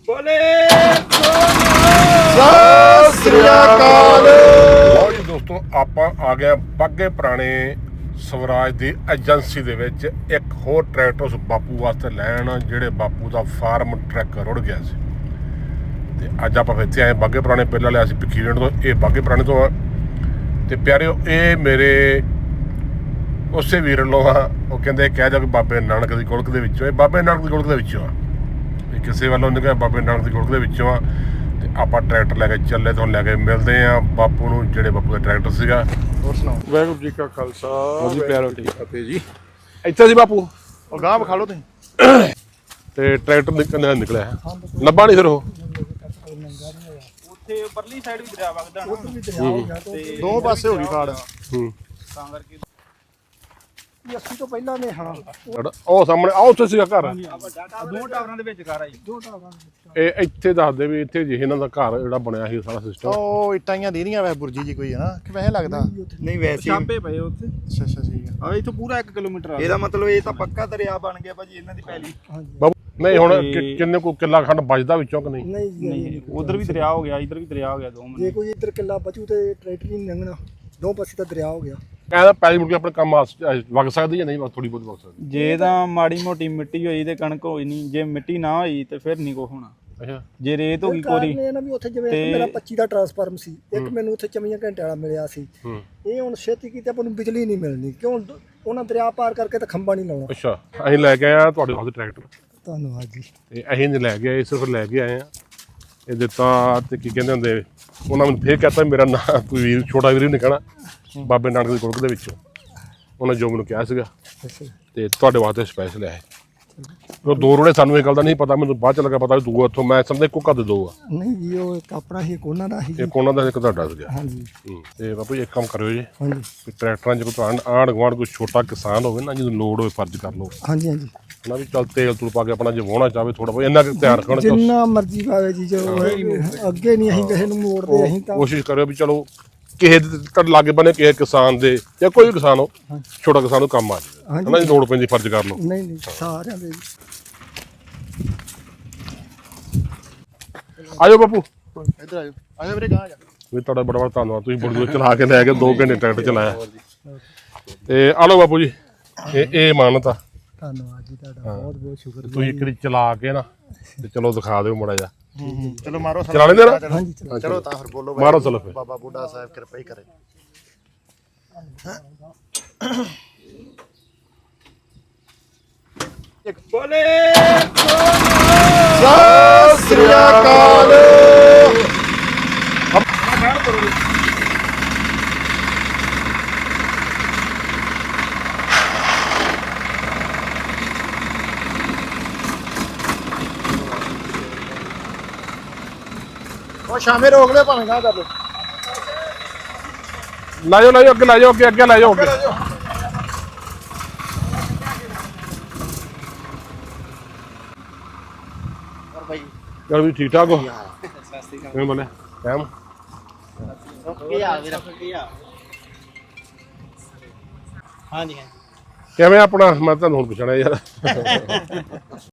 ਬੋਲੇ ਸਤਿ ਸ੍ਰੀ ਅਕਾਲ। ਲਓ ਜੀ ਦੋਸਤੋ, ਆਪਾਂ ਆ ਗਏ ਬਾਗੇ ਪੁਰਾਣੇ ਸਵਰਾਜ ਦੀ ਏਜੰਸੀ ਦੇ ਵਿੱਚ ਇੱਕ ਹੋਰ ਟਰੈਕਟਰ ਉਸ ਬਾਪੂ ਵਾਸਤੇ ਲੈਣ, ਜਿਹੜੇ ਬਾਪੂ ਦਾ ਫਾਰਮ ਟਰੱਕ ਰੁੜ ਗਿਆ ਸੀ। ਤੇ ਅੱਜ ਆਪਾਂ ਇੱਥੇ ਆਏ ਬਾਗੇ ਪੁਰਾਣੇ। ਪਹਿਲਾਂ ਲਿਆ ਸੀ ਭਿੱਖੀਵਿੰਡ ਤੋਂ, ਇਹ ਬਾਗੇ ਪੁਰਾਣੇ ਤੋਂ ਆ। ਤੇ ਪਿਆਰਿਓ, ਇਹ ਮੇਰੇ ਉਸੇ ਵੀਰ ਵੱਲੋਂ ਆ। ਉਹ ਕਹਿੰਦੇ ਕਹਿ ਦਿਓ ਕਿ ਬਾਬੇ ਨਾਨਕ ਦੀ ਗੁਲਕ ਦੇ ਵਿੱਚੋਂ, ਇਹ ਬਾਬੇ ਨਾਨਕ ਦੀ ਗੁਲਕ ਦੇ ਵਿੱਚੋਂ ਆ। ਇਹ ਕਿਸੇ ਵੱਲੋਂ ਨਹੀਂ ਕਿਹਾ, ਬਾਬੇ ਨਾਨਕ ਦੀ ਗੁਲਕ ਦੇ ਵਿੱਚੋਂ ਆ। ਤੇ ਆਪਾਂ ਟਰੈਕਟਰ ਲੈ ਕੇ ਚੱਲੇ, ਤੋਂ ਲੈ ਕੇ ਮਿਲਦੇ ਆ ਬਾਪੂ ਨੂੰ, ਜਿਹੜੇ ਬਾਪੂ ਦਾ ਟਰੈਕਟਰ ਸੀਗਾ। ਹੋਰ ਸੁਣਾਓ। ਵਾਹਿਗੁਰੂ ਜੀ ਕਾ ਖਾਲਸਾ, ਜੀ ਪਿਆਰੋ, ਠੀਕ ਫਤਿਹ ਜੀ। ਇੱਥੇ ਸੀ ਬਾਪੂ, ਉਹ ਗਾਂ ਵਿਖਾ ਲਓ ਤੁਸੀਂ। ਤੇ ਟਰੈਕਟਰ ਨਿਕਲਿਆ ਲੱਭਾ ਨਹੀਂ ਫਿਰ ਉਹ। ਉੱਥੇ ਪਰਲੀ ਸਾਈਡ ਵੀ ਦਰਿਆ ਵਗਦਾ ਤੇ ਦੋ ਪਾਸੇ ਹੋ ਗਈ ਖਾੜ। ਤਾਂ ਕਰਕੇ 80 ਤੋਂ ਪਹਿਲਾਂ ਨੇ। ਹਾਂ, ਉਹ ਸਾਹਮਣੇ ਆ, ਉੱਥੇ ਸੀਗਾ ਘਰ। ਦੋ ਟਾਵਰਾਂ ਦੇ ਵਿੱਚ ਘਰ ਆ ਜੀ। ਇਹ ਇੱਥੇ ਦੱਸਦੇ ਵੀ ਇੱਥੇ ਜਿਹੇ ਇਹਨਾਂ ਦਾ ਘਰ ਜਿਹੜਾ ਬਣਿਆ ਸੀ ਸਾਰਾ ਸਿਸਟਮ। ਉਹ ਇਟਾਈਆਂ ਦੇਦੀਆਂ ਵੈਸੇ ਬੁਰਜੀ ਜੀ ਕੋਈ ਹੈ ਨਾ, ਕਿ ਵੈਸੇ ਲੱਗਦਾ ਨਹੀਂ ਵੈਸੇ ਛਾਪੇ ਪਏ ਉੱਥੇ। ਅੱਛਾ ਅੱਛਾ, ਠੀਕ ਹੈ। ਆ ਇੱਥੋਂ ਪੂਰਾ 1 ਕਿਲੋਮੀਟਰ ਆ। ਇਹਦਾ ਮਤਲਬ ਇਹ ਤਾਂ ਪੱਕਾ ਦਰਿਆ ਬਣ ਗਿਆ ਭਾਜੀ ਇਹਨਾਂ ਦੀ ਪਹਿਲੀ। ਬਾਬੂ ਨਹੀਂ, ਹੁਣ ਕਿੰਨੇ ਕੋ ਕਿੱਲਾ ਖੰਡ ਬਚਦਾ ਵਿੱਚੋਂ ਕਿ ਨਹੀਂ? ਨਹੀਂ, ਉਧਰ ਵੀ ਦਰਿਆ ਹੋ ਗਿਆ, ਇੱਧਰ ਵੀ ਦਰਿਆ ਹੋ ਗਿਆ। ਦੋ ਜੇ ਕੋਈ ਇੱਧਰ ਕਿੱਲਾ ਬਚੂ ਤੇ ਟਰੈਕਟਰ ਨਹੀਂ ਲੰਘਣਾ, ਦੋ ਪਾਸੇ ਤਾਂ ਦਰਿਆ ਹੋ ਗਿਆ। ਕਹਿੰਦਾ ਪੈਲੀ ਮੁੜ ਕੇ ਆਪਣੇ ਕੰਮ ਵਗ ਸਕਦੀ ਜਾਂ ਨਹੀਂ? ਥੋੜੀ ਬਹੁਤ ਵਗ ਸਕਦੀ। ਜੇ ਤਾਂ ਮਾੜੀ ਮੋਟੀ ਮਿੱਟੀ ਹੋਈ ਤੇ ਕਣਕ ਹੋਈ ਨਹੀਂ, ਜੇ ਮਿੱਟੀ ਨਾ ਹੋਈ ਤੇ ਫਿਰ ਨਹੀਂ ਕੋ ਹੋਣਾ। ਅੱਛਾ, ਜੇ ਰੇਤ ਹੋ ਗਈ ਕੋਰੀ ਇਹ ਨਾ ਵੀ ਉੱਥੇ ਜਿਵੇਂ ਮੇਰਾ 25 ਦਾ ਟਰਾਂਸਫਾਰਮ ਸੀ, ਇੱਕ ਮੈਨੂੰ ਉੱਥੇ 24 ਘੰਟੇ ਵਾਲਾ ਮਿਲਿਆ ਸੀ। ਇਹ ਹੁਣ ਛੇਤੀ ਕੀਤੇ ਆਪਾਂ ਨੂੰ ਬਿਜਲੀ ਨਹੀਂ ਮਿਲਣੀ, ਕਿਉਂ? ਉਹਨਾਂ ਦਰਿਆ ਪਾਰ ਕਰਕੇ ਤਾਂ ਖੰਭਾ ਨਹੀਂ ਲਾਉਣਾ। ਅੱਛਾ, ਅਸੀਂ ਲੈ ਕੇ ਆਏ ਆ ਤੁਹਾਡੇ ਵਾਸਤੇ ਟਰੈਕਟਰ। ਧੰਨਵਾਦ ਜੀ। ਤੇ ਅਸੀਂ ਨਹੀਂ ਲੈ ਕੇ ਆਏ, ਸਿਰਫ ਲੈ ਕੇ ਆਏ ਆ। ਇਹ ਦਿੱਤਾ ਤੇ ਕੀ ਕਹਿੰਦੇ ਹੁੰਦੇ, ਉਹਨਾਂ ਮੈਨੂੰ ਫੇਰ ਕਹਤਾ ਮੇਰਾ ਨਾਂ ਕੋਈ ਵੀਰ, ਛੋਟਾ ਵੀਰ ਨਹੀਂ ਕਹਿਣਾ, ਬਾਬੇ ਨਾਨਕ ਦੀ ਗੁਲਕ ਦੇ ਵਿੱਚੋਂ ਉਹਨੇ ਜੋ ਮੈਨੂੰ ਕਿਹਾ ਸੀਗਾ। ਤੇ ਤੁਹਾਡੇ ਵਾਸਤੇ ਸਪੈਸ਼ਲ ਹੈ। ਉਹ ਦੋ ਰੋੜੇ ਸਾਨੂੰ ਇਹ ਗੱਲ ਦਾ ਨਹੀਂ ਪਤਾ, ਮੈਨੂੰ ਬਾਅਦ ਚ ਲੱਗਾ ਪਤਾ ਵੀ ਦੋ ਇੱਥੋਂ, ਮੈਂ ਸਮਝਦਾ ਇੱਕੋ ਘਰ ਦੇ ਦੋ ਆ। ਨਹੀਂ ਜੀ, ਉਹ ਇੱਕ ਆਪਣਾ ਹੀ, ਇੱਕ ਉਹਨਾਂ ਦਾ ਹੀ। ਇੱਕ ਉਹਨਾਂ ਦਾ, ਇੱਕ ਤੁਹਾਡਾ ਸੀਗਾ। ਹਾਂਜੀ ਤੇ ਬਾਪੂ ਜੀ ਇੱਕ ਕੰਮ ਕਰਿਓ ਜੀ, ਹਾਂਜੀ ਵੀ ਟਰੈਕਟਰਾਂ 'ਚ ਕੋਈ ਆਂਢ ਗੁਆਂਢ ਕੋਈ ਛੋਟਾ ਕਿਸਾਨ ਹੋਵੇ ਨਾ, ਜਦੋਂ ਲੋੜ ਹੋਵੇ ਫਰਜ਼ ਕਰ ਲਓ ਹਾਂਜੀ ਹਾਂਜੀ, ਨਾ, ਵੀ ਚੱਲ ਤੇਲ ਤੂਲ ਪਾ ਕੇ ਆਪਣਾ ਜੇ ਵਾਹੁਣਾ ਚਾਹਵੇ ਥੋੜਾ ਬਹੁਤ ਇੰਨਾ ਕੁ ਧਿਆਨ ਰੱਖਣ। ਜਿੰਨਾ ਮਰਜ਼ੀ ਪਾਵੇ ਜੀ, ਜੋ ਅੱਗੇ ਨਹੀਂ ਅਸੀਂ ਕਿਸੇ ਨੂੰ ਮੋੜਦੇ। ਅਸੀਂ ਤਾਂ ਕੋਸ਼ਿਸ਼ ਕਰਿਓ ਵੀ ਚਲੋ ਕਿਸੇ ਦੇ ਲਾਗੇ ਬਣੇ, ਕਿਸੇ ਕਿਸਾਨ ਦੇ ਜਾਂ ਕੋਈ ਵੀ ਕਿਸਾਨ ਹੋ, ਛੋਟਾ ਕਿਸਾਨ ਨੂੰ ਕੰਮ ਆ ਜਾਵੇ ਹਨਾ, ਜੇ ਲੋੜ ਪੈਂਦੀ ਫਰਜ਼ ਕਰ ਲਓ। ਨਹੀਂ ਨਹੀਂ, ਸਾਰਿਆਂ ਦੇ। ਆਜੋ ਬਾਪੂ, ਇੱਧਰ ਆਜੋ, ਆਜੋ ਵੀਰੇ, ਗਾਂ ਆ ਜਾ। ਵੀ ਤੁਹਾਡਾ ਬੜਾ ਬੜਾ ਧੰਨਵਾਦ, ਤੁਸੀਂ ਬੜੀ ਦੂਰ ਚਲਾ ਕੇ ਲੈ ਕੇ 2 ਘੰਟੇ ਟਰੈਕਟਰ ਚਲਾਇਆ। ਤੇ ਆ ਲਓ ਬਾਪੂ ਜੀ, ਇਹ ਮਾਨਤ ਆ। ਧੰਨਵਾਦ ਜੀ ਤੁਹਾਡਾ, ਬਹੁਤ ਬਹੁਤ ਸ਼ੁਕਰ। ਤੁਸੀਂ ਇੱਕ ਵਾਰੀ ਚਲਾ ਕੇ ਨਾ ਤੇ ਚਲੋ ਦਿਖਾ ਦਿਓ ਮਾੜਾ ਜਿਹਾ। ਚਲੋ ਮਾਰੋ ਚਲਾ ਲੈਂਦੇ ਨਾ? ਹਾਂਜੀ ਚਲੋ ਤਾਂ ਫਿਰ ਬੋਲੋ। ਮਾਰੋ ਚਲੋ ਫਿਰ। ਬਾਬਾ ਬੁੱਢਾ ਸਾਹਿਬ ਕਿਰਪਾ ਹੀ ਕਰੇ। ਬੋਲੇ ਸਤਿ ਸ੍ਰੀ ਅਕਾਲ। ਉਹ ਸ਼ਾਮੇ ਰੋਕ ਲੈ, ਭਾਵੇਂ ਗਾਂ ਕਰ ਲੋ। ਲੈ ਜਾਓ ਅੱਗੇ, ਲੈ ਜਾਓ ਅੱਗੇ ਲੈ ਜਾਓ ਅੱਗੇ। ਹੋਰ ਭਾਈ ਚਲ ਵੀ ਠੀਕ ਠਾਕ ਹੋ? ਕਿਵੇਂ ਬੋਲੇ ਟਾਈਮ? ਕੀ ਹਾਲ ਵੀਰ? ਹਾਂਜੀ ਕਿਵੇਂ ਆਪਣਾ, ਮੈਂ ਤੁਹਾਨੂੰ ਹੁਣ ਪੁੱਛਣਾ ਯਾਰ।